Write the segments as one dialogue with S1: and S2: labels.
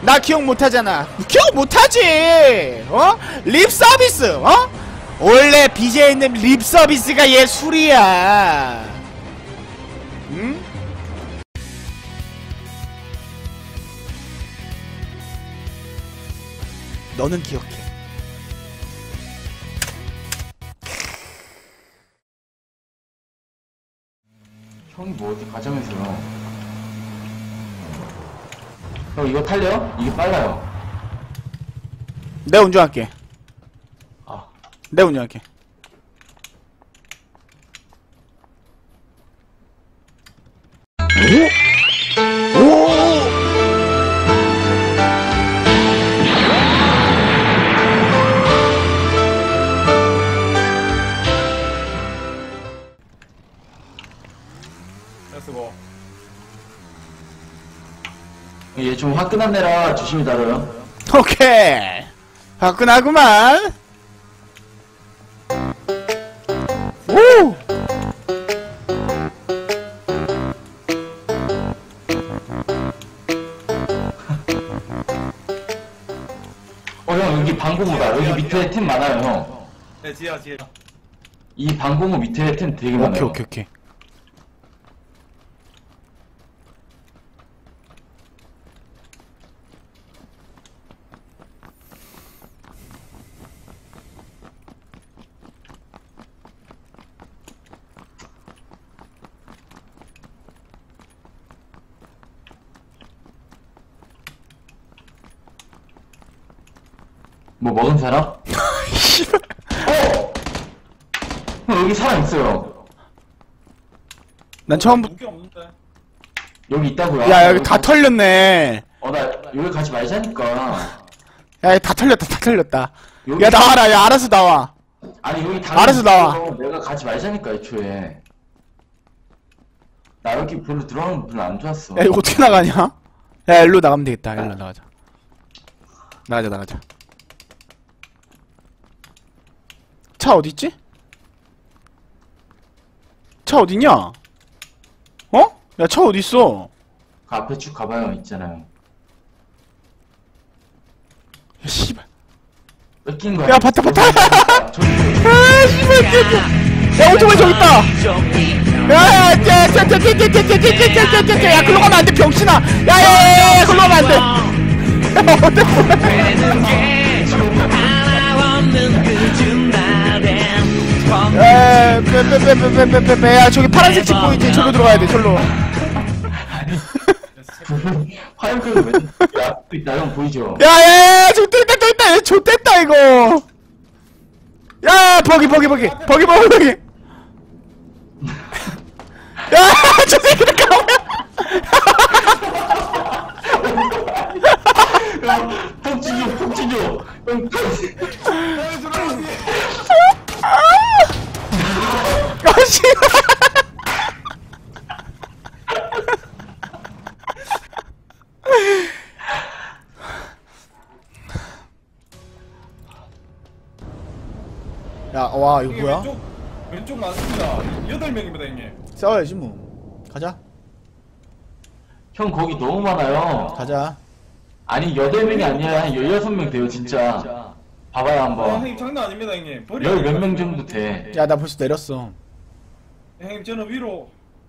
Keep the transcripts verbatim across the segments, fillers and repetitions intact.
S1: 나 기억 못하잖아. 기억 못하지. 어? 립 서비스. 어? 원래 비제이는 립 서비스가 예술이야. 응? 너는 기억해.
S2: 형이 뭐 어디 가자면서요. 형 이거 탈래요? 이게 빨라요.
S1: 내가 운전할게.
S2: 아,
S1: 내가 운전할게. 오? 오?
S3: 쓰고.
S2: 얘 좀 화끈한 애라 조심히 다뤄요.
S1: 오케이. 화끈하구만. 오!
S2: 어, 형 여기 방공호다. 여기 밑에 템 많아요, 형.
S3: 네, 지하, 지하.
S2: 이 방공호 밑에 템 되게 많아요.
S1: 오케이, 오케이, 오케이.
S2: 뭐 먹은 사람? 어! 형 여기 사람 있어요.
S1: 난 처음부터.
S3: 무게 없는데.
S2: 여기 있다고요.
S1: 야, 여기 다 털렸네.
S2: 어, 나 여기 가지 말자니까.
S1: 야, 여기 다 털렸다, 다 털렸다.
S2: 여기
S1: 야, 나와라, 야, 알아서 나와.
S2: 아니 여기 다
S1: 알아서 나와.
S2: 내가 가지 말자니까 애초에. 나 여기 별로 들어가는 거 별로 안 좋았어.
S1: 야, 이거 어떻게 나가냐? 야, 일로 나가면 되겠다. 일로 나가자. 나가자, 나가자. 차 어딨지? 차 어딨냐? 어? 야, 차 어딨어?
S2: 그 앞에 쭉 가봐요. 있잖아요.
S1: 야, 씨발.
S2: 뺏긴 거야.
S1: 야, 봤다, 봤다.
S2: 저기
S1: 아, 씨발, 뛰어. 야, 오토바이 저기 있다. 야, 야, 야, 야, 야, 야, 야, 야, 야, 야, 야, 글로 가면 안 돼, 병신아. 야, 야, 야, 야, 글로 가면 안 돼. 야, 어때, 야, 빼빼빼빼빼빼빼. 야, 저기 파란색 집 보이지? 저로 들어가야 돼, 저로.
S2: 화염병이 왜? 야, 또 있다. 형 보이죠?
S1: 야, 야, 야, 저기 또 있다, 또 있다. 얘 좆됐다, 이거. 야, 버기, 버기, 버기. 버기, 버기, 버기. 야, 저 새끼들 가면.
S2: 폭진조, 폭진조. 형,
S1: 아, 씨발. 야, 와, 이거 뭐야?
S3: 왼쪽, 왼쪽 많습니다. 여덟 명입니다, 형님.
S1: 싸워야지, 뭐. 가자.
S2: 형 거기 너무 많아요.
S1: 가자.
S2: 아니 여덟 명이 아니라 한 열여섯 명 돼요 진짜. 봐봐요
S3: 아,
S2: 한번.
S3: 형님 장난 아닙니다, 형님.
S2: 열 몇 명 정도 돼.
S1: 야, 나 벌써 내렸어.
S3: 형님, 저는 위로.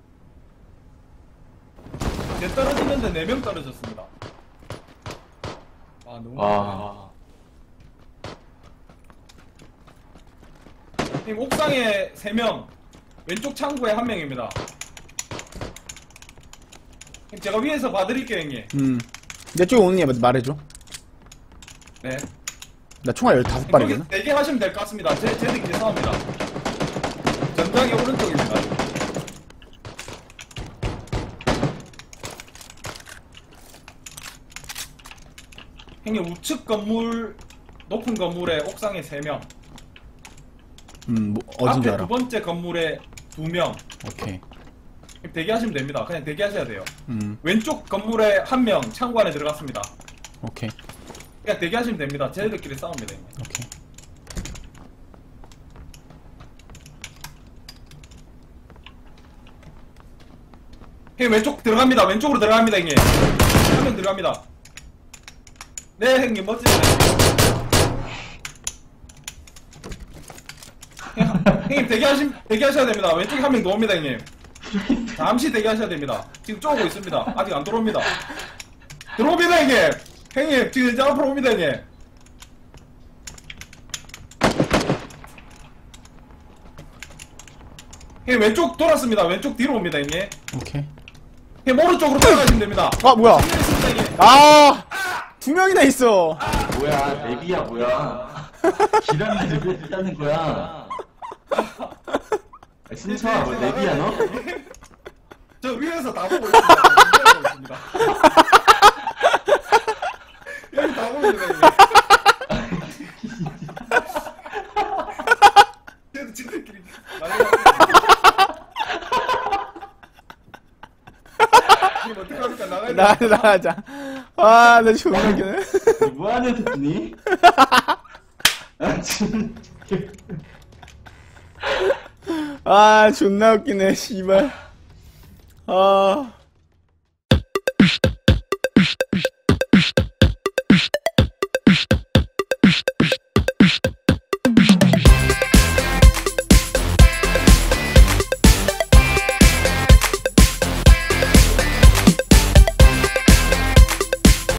S3: 제 떨어지는데 네 명 떨어졌습니다. 아, 너무.
S2: 와.
S3: 형님, 옥상에 세 명, 왼쪽 창구에 한 명입니다. 형님, 제가 위에서 봐드릴게요, 형님.
S1: 음. 내 쪽에 오는 얘 말해줘.
S3: 네.
S1: 나 총알 열다섯 발이거든.
S3: 거기 네개 하시면 될 것 같습니다. 제, 쟤들끼리 싸웁니다. 전장의 오른쪽입니다. 형님, 우측 건물, 높은 건물에 옥상에 세 명.
S1: 음, 뭐, 어딘지
S3: 앞에
S1: 알아.
S3: 두 번째 건물에 두 명.
S1: 오케이.
S3: 대기하시면 됩니다. 그냥 대기하셔야 돼요.
S1: 음,
S3: 왼쪽 건물에 한 명 창고 안에 들어갔습니다.
S1: 오케이.
S3: 그냥 대기하시면 됩니다. 쟤들끼리 싸웁니다. 형님.
S1: 오케이.
S3: 형님, 왼쪽 들어갑니다. 왼쪽으로 들어갑니다, 형님. 한 명 들어갑니다. 네 형님 멋지네. 형, 형님 대기하시 대기하셔야 됩니다. 왼쪽에 한 명 더 옵니다 형님. 잠시 대기하셔야 됩니다. 지금 쪼고 있습니다. 아직 안 들어옵니다. 들어옵니다 형님. 형님 지금 이제 앞으로 옵니다 형님. 형님 왼쪽 돌았습니다. 왼쪽 뒤로 옵니다 형님.
S1: 오케이.
S3: 형님 오른쪽으로 돌아가시면 됩니다.
S1: 아 뭐야?
S3: 있습니다, 형님.
S1: 아 두 명이나 있어.
S2: 뭐야, 내비야, 뭐야. 기란이 내비 있다는 거야. 신청아, 뭐, 내비야, 너?
S3: 저 위에서 다 보고 있습니다. 보고 있습니다. 여기 다 보입니다 형님. 쟤도 지들끼리 난리 지금 어떡합니까? 나가야
S1: 나
S3: 돼.
S1: 나가자. 아, 나 존나 웃기네.
S2: 뭐 하는 새끼니? 아, 진
S1: 아, 존나 웃기네, 씨발. 아.